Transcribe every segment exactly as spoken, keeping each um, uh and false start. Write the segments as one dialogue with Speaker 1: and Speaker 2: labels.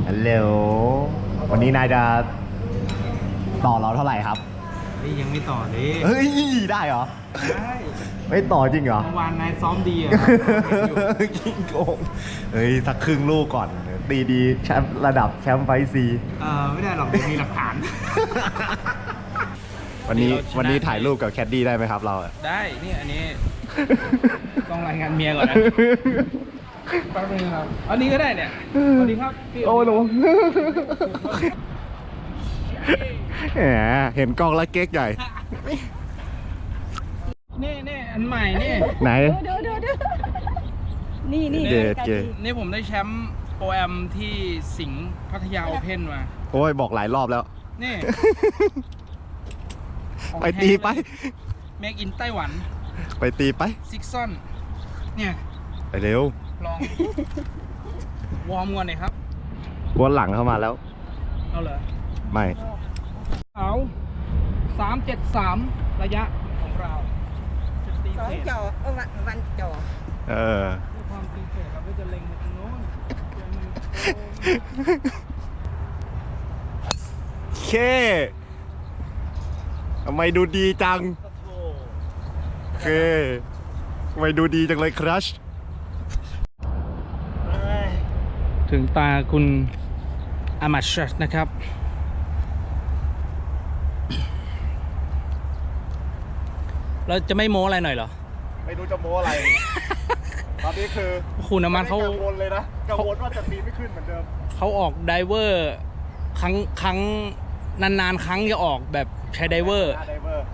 Speaker 1: ฮัลโหลวันนี้นายจะต่อเราเท่าไหร่ครับ
Speaker 2: นี่ยังไม่ต่อเลย
Speaker 1: เฮ้ยได้เหรอ
Speaker 2: ได้
Speaker 1: ไม่ต่อจริงเหรอ
Speaker 2: เมื่อวานนายซ้อมดีอ่ะ
Speaker 1: กิงโกงเฮ้ยสักครึ่งลูกก่อนตีดีแชมป์ระดับแชมป์ไฟซี
Speaker 2: เออไม่ได้หรอกเดี๋ยวมีหลักฐาน
Speaker 1: วันนี้
Speaker 2: เราชนะ
Speaker 1: วันนี้ถ่ายรูปกับแคดดี้ได้ไหมครับเราอะ
Speaker 2: ได้นี่อันนี้ ต้องรายงานเมียก่อนนะแป๊บนึงครับอันนี้ก็ได้เนี่ยสวัสดีครับพี่
Speaker 1: โอ้โหแหมเห็นกล้องแล้วเก๊กใหญ่
Speaker 2: นี่นี่อันใหม่นี่
Speaker 1: ไหน
Speaker 3: ดูดูดูนี่นี่
Speaker 1: เด็ดเก๋
Speaker 2: นี่ผมได้แชมป์โปรแอมที่สิงห์พัทยาโอเพ่นมา
Speaker 1: โอ้ยบอกหลายรอบแล้ว
Speaker 2: นี่
Speaker 1: ไปตีไป
Speaker 2: เมกอินไต้หวัน
Speaker 1: ไปตีไป
Speaker 2: ซิกซอนเนี่ย
Speaker 1: ไปเร็ว
Speaker 2: ลอง วอร์มก่อนหน่อยครับ
Speaker 1: กวนหลังเข้ามาแล้ว
Speaker 2: เอาเหรอ
Speaker 1: ไม่
Speaker 2: เอาสามเจ็ดสามระยะของเราจะตี
Speaker 3: สอง
Speaker 2: เศษ
Speaker 3: จอเออวันวันจอ
Speaker 1: เออ
Speaker 2: ด้วยความตีเศษเราก็จะเล็งไปตรงโน้นเดี๋ยวมันโ
Speaker 1: เคทำไมดูดีจัง
Speaker 2: อ้
Speaker 1: เคทำไมดูดีจังเลยครัช
Speaker 2: ถึงตาคุณอามัชนะครับ เราจะไม่โม้อะไรหน่อยเหรอ
Speaker 1: ไม่รู้จะโม้อะไร ตอนนี้คือ
Speaker 2: คุณอามัชเขา
Speaker 1: กังวลเลยนะ กังวลว่าจะตีไม่ขึ้นเหมือนเดิม
Speaker 2: เขาออกไดเวอร์ครั้งครั้งนานๆ ครั้งจะออกแบบใช้ไดเวอร์
Speaker 1: ไดเวอร์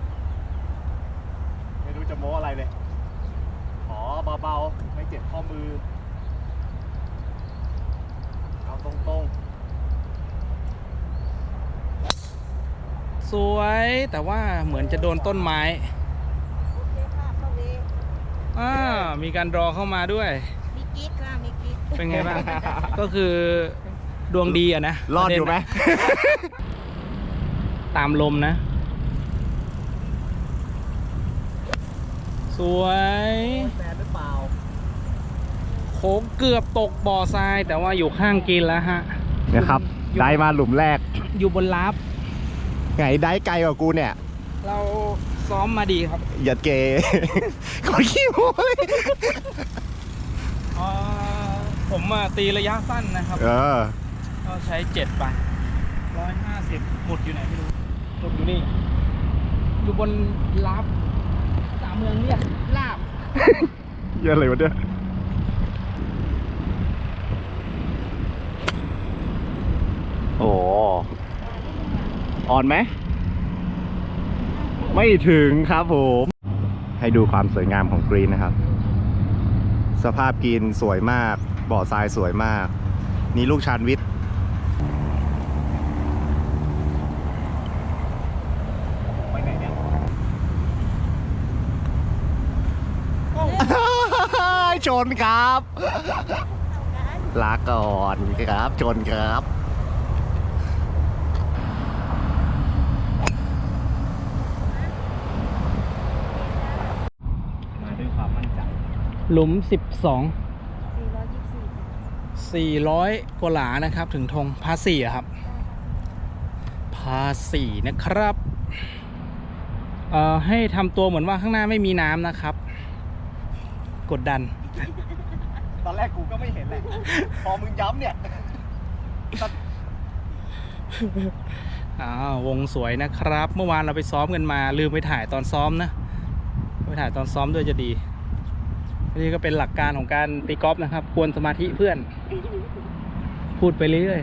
Speaker 1: ไม่รู้จะโม้อะไรเลย ขอเบาๆ ไม่เจ็บข้อมือ เอาตรงๆ
Speaker 2: สวยแต่ว่าเหมือนจะโดนต้นไม้
Speaker 3: โอเคค่ะเข้าเว
Speaker 2: อ่ามีการรอเข้ามาด้วย
Speaker 3: มีกิ๊กค่ะมีกิ๊ก
Speaker 2: เป็นไงบ้าง ก็คือดวงดีอะนะ
Speaker 1: รอดอยู่ไหม
Speaker 2: ตามลมนะ สวย
Speaker 1: แฟนหรือเปล่า
Speaker 2: โค้งเกือบตกบ่อทราย แต่ว่าอยู่ข้างกินแล้วฮะ
Speaker 1: เนี่ยครับ ได้มาหลุมแรก
Speaker 2: อยู่บนลับ
Speaker 1: ไงได้ไกลกว่ากูเนี่ย
Speaker 2: เราซ้อมมาดีครับ
Speaker 1: อย่าเก ขอขี้โม้เลย
Speaker 2: อ่าผมอะตีระยะสั้นนะครับ
Speaker 1: เออ
Speaker 2: ก็ใช้เจ็ดไปร้อยห้าสิบหมุดอยู่ไหนไม่รู้หมุดอยู่นี่ อยู่บนลับสามเมืองเรียกลาบ
Speaker 1: เยอะเลยวะเนี่ยโอ้อ่อนไหม ไม่ถึงครับผม ให้ดูความสวยงามของกรีนนะครับ สภาพกรีนสวยมาก บ่อทรายสวยมาก นี่ลูกชานวิทย์ไปไหนเนี่ย ชนครับ ลาก่อนครับ ชนครับ มาด้วยความมั่นใจ
Speaker 2: หลุมสิบสอง
Speaker 3: สี่ร้อยยี่สิบสี่
Speaker 2: สี่ร้อยกว่าหลานะครับ ถึงธงพาสี่อะครับ พาสี่นะครับ เอ่อ ให้ทำตัวเหมือนว่าข้างหน้าไม่มีน้ำนะครับ กดดัน
Speaker 1: ตอนแรกกูก็ไม่เห็นแหละ พอมึงย้ำเนี่ย
Speaker 2: อ้าววงสวยนะครับ เมื่อวานเราไปซ้อมกันมา ลืมไปถ่ายตอนซ้อมนะไปถ่ายตอนซ้อมด้วยจะดี นี่ก็เป็นหลักการของการตีกอล์ฟนะครับ ควรสมาธิเพื่อน พูดไปเรื่อย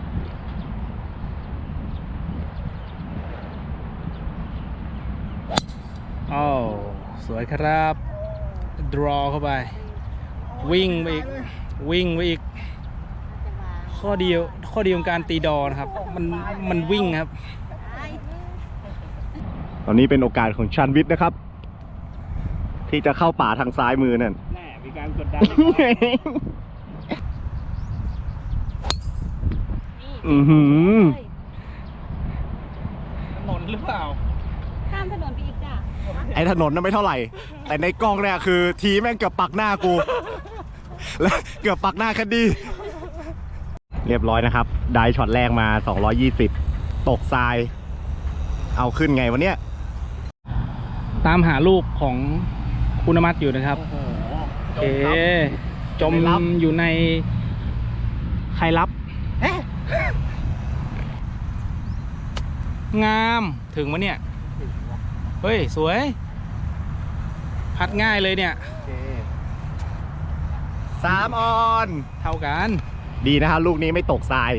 Speaker 2: ๆอ้าวสวยครับ draw เข้าไป วิ่งไปอีก วิ่งไปอีก
Speaker 3: จะมา
Speaker 2: ข้อดีข้อดีของการตีดอนะครับ มันมันวิ่งครับ
Speaker 3: ไอ้
Speaker 1: ตอนนี้เป็นโอกาสของชันวิทย์นะครับ ที่จะเข้าป่าทางซ้ายมือนั่น
Speaker 2: แน่มีการกดดัน
Speaker 1: อือหือ
Speaker 2: ถนนหรือเปล่า
Speaker 3: ข้ามถนนไปอีกจ้ะ
Speaker 1: ไอ้ถนนน่ะไม่เท่าไหร่ แต่ในกล้องเนี่ยคือทีแม่งเกือบปักหน้ากู แล้วเกือบปักหน้าแคดดี้เรียบร้อยนะครับ ได้ช็อตแรกมาสองร้อยยี่สิบตกทราย เอาขึ้นไงวะเนี่ย
Speaker 2: ตามหาลูกของคุณมัตอยู่นะครับ
Speaker 1: โอ้โห
Speaker 2: โอเค จมอยู่ในใครรับ งามถึงมะเนี่ย เฮ้ย สวย พัดง่ายเลยเนี่ย
Speaker 1: สามออน
Speaker 2: เท่ากัน
Speaker 1: ดีนะครับลูกนี้ไม่ตกทราย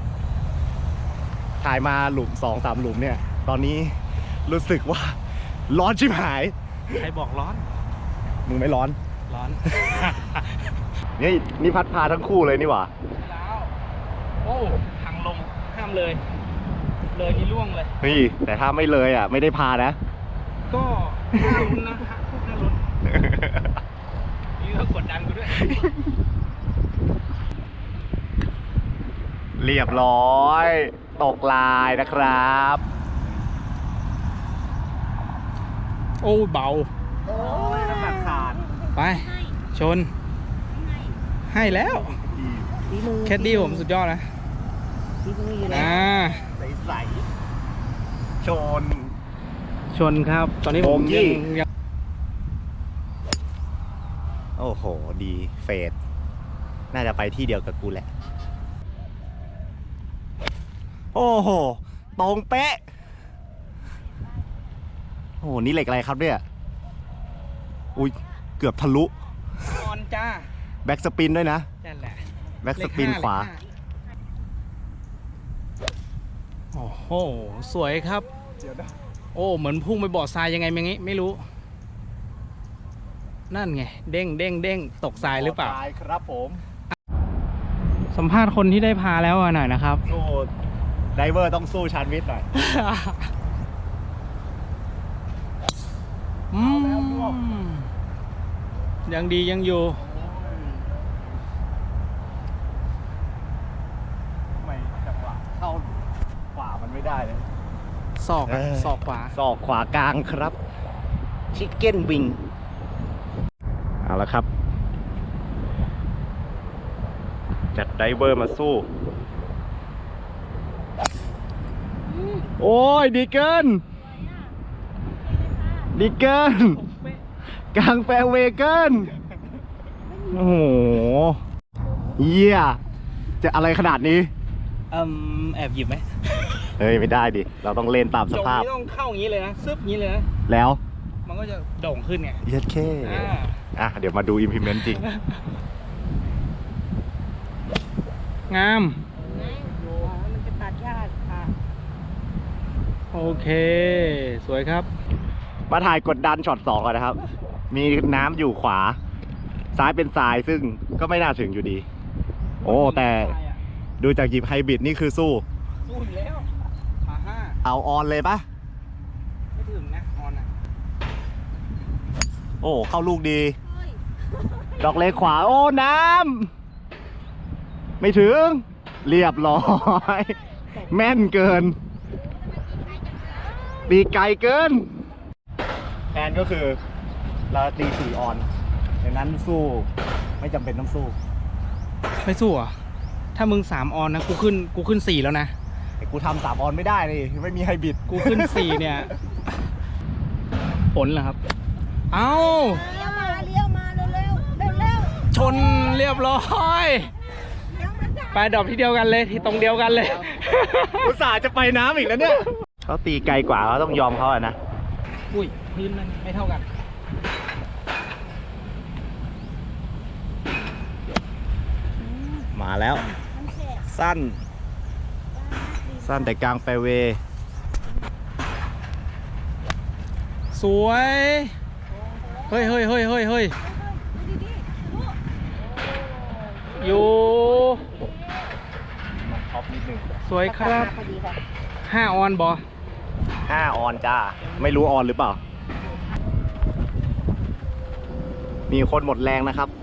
Speaker 1: ถ่ายมาหลุมสองสามหลุมเนี่ย ตอนนี้รู้สึกว่า ร้อนชิบหาย
Speaker 2: ใครบอกร้อน
Speaker 1: มึงไม่ร้อน
Speaker 2: ร้อน
Speaker 1: นี่นี่พัดพาทั้งคู่เลยนี่หว่า
Speaker 2: แล้วโอ้ทางลงห้ามเลย เลยนี่ล่วงเลย
Speaker 1: เฮ้ยแต่ถ้าไม่เลยอ่ะ ไม่ได้พานะ
Speaker 2: ก็ห้าลุ้นนะฮะพวกห้าลุ้นนี่ก็กดดันกูด้วย
Speaker 1: เรียบร้อย ตกลายนะครับ
Speaker 2: โอ้เบา
Speaker 3: โอ้ย
Speaker 1: น้ำหนักขาด
Speaker 2: ไป ชน ให้แล้ว
Speaker 3: ฝีมือ
Speaker 2: แคดดี้ผมสุดยอดนะ
Speaker 3: ฝีมืออยู่แล้ว
Speaker 2: อ่า
Speaker 1: ใสๆชน
Speaker 2: ชนครับ ตอนนี้ผม
Speaker 1: โบกี้
Speaker 2: ยังยัง
Speaker 1: โอ้โห ดีเฟดน่าจะไปที่เดียวกับกูแหละ โอ้โห ตรงเป๊ะ โอ้โห นี่เหล็กอะไรครับเนี่ย อุ้ย เกือบทะลุ
Speaker 2: ออนจ้า
Speaker 1: แบ็กสปินด้วยนะ
Speaker 2: นั่นแหละ
Speaker 1: แบ็กสปินขวา
Speaker 2: โอ้โห สวยครับ โอ้ เหมือนพุ่งไปบ่อทรายยังไงไม่งี้ไม่รู้ นั่นไง เด้งเด้งเด้งตกทรายหรือเปล่า
Speaker 1: ตายครับผม
Speaker 2: สัมภาษณ์คนที่ได้พาแล้วหน่อยนะครับ
Speaker 1: สู้ไดเวอร์ต้องสู้ชานวิทย์หน่อย
Speaker 2: อืมยังดียังอยู่
Speaker 1: ไม่จังหวะเข้าขวามันไม่ได้เลย
Speaker 2: ศอกอะ
Speaker 1: เออ
Speaker 2: ศอกขวา
Speaker 1: ศอกขวากลางครับชิคเก้นวิงเอาละครับ จัดไดเวอร์มาสู้ โอ้ย ดีเกิน ดีเกิน กลางแฟร์เวย์เกิน โอ้โห เยี่ยจะอะไรขนาดนี้
Speaker 2: เอิ่มแอบหยิบไหม
Speaker 1: เฮ้ย ไม่ได้ดิ เราต้องเล่นตามส
Speaker 2: ตรง
Speaker 1: ภาพ
Speaker 2: นี้ต้องเข้าอย่างนี้เลยนะ ซึบอย่างนี้เลยนะ
Speaker 1: แล้ว
Speaker 2: มันก็จะโด่งขึ้นไง
Speaker 1: เย็ดเค
Speaker 2: อ่า
Speaker 1: อ่ะ เดี๋ยวมาดู implement จริง
Speaker 2: งาม
Speaker 3: มันจะตัดยากค่ะ
Speaker 2: โอเค สวยครับ
Speaker 1: มาถ่ายกดดันช็อตสองก่อนนะครับ มีน้ำอยู่ขวา ซ้ายเป็นทรายซึ่งก็ไม่น่าถึงอยู่ดี โอ้ แต่ดูจากหยิบไฮบริดนี่คือสู้
Speaker 2: สู้อีกแล้วขาห้า
Speaker 1: เอาออนเลยปะ
Speaker 2: ไม่ถึงนะ ออนอ่ะ
Speaker 1: โอ้ เข้าลูกดี
Speaker 3: เฮ้ย
Speaker 1: ดอกเล็กขวา โอ้ น้ำ ไม่ถึง เรียบร้อย แม่นเกิน ตีไกลเกินแอนก็คือเราตีสี่ออนดังนั้นสู้ ไม่จำเป็นต้องสู้
Speaker 2: ไม่สู้เหรอ่ะ ถ้ามึงสามออนนะ กูขึ้น กูขึ้นสี่แล้วนะ
Speaker 1: แต่กูทำสามออนไม่ได้เลยไม่มีไฮบริด
Speaker 2: กูขึ้นสี่เนี่ย ผลเหรอครับ เอ้า
Speaker 3: เลี้ยวมาเลี้ยวมาเร็วเร็วเร็วเร็ว
Speaker 2: ชนเรียบร้อย
Speaker 3: เลี้ยวมาจ้า
Speaker 2: ไปดอกที่เดียวกันเลยที่ตรงเดียวกันเลย
Speaker 1: อุตส่าห์จะไปน้ำอีกแล้วเนี่ยเขาตีไกลกว่าเขาต้องยอมเขาอะนะ
Speaker 2: อุ้ยพื้นมันไม่เท่ากัน
Speaker 1: มาแล้ว
Speaker 3: มันแสบ
Speaker 1: สั้น สั้นแต่กลางแฟร์เวย์
Speaker 2: สวย เฮ้ยเฮ้ยเฮ้ยเฮ้ยเฮ้ย
Speaker 3: ดูดีๆดู
Speaker 2: อยู่
Speaker 1: ท็อปนิดนึง
Speaker 2: สวยครับ
Speaker 3: พอดีค่ะ
Speaker 2: ห้าออนบอ
Speaker 1: ห้าออนจ้า ไม่รู้ออนหรือเปล่า มีคนหมดแรงนะครับ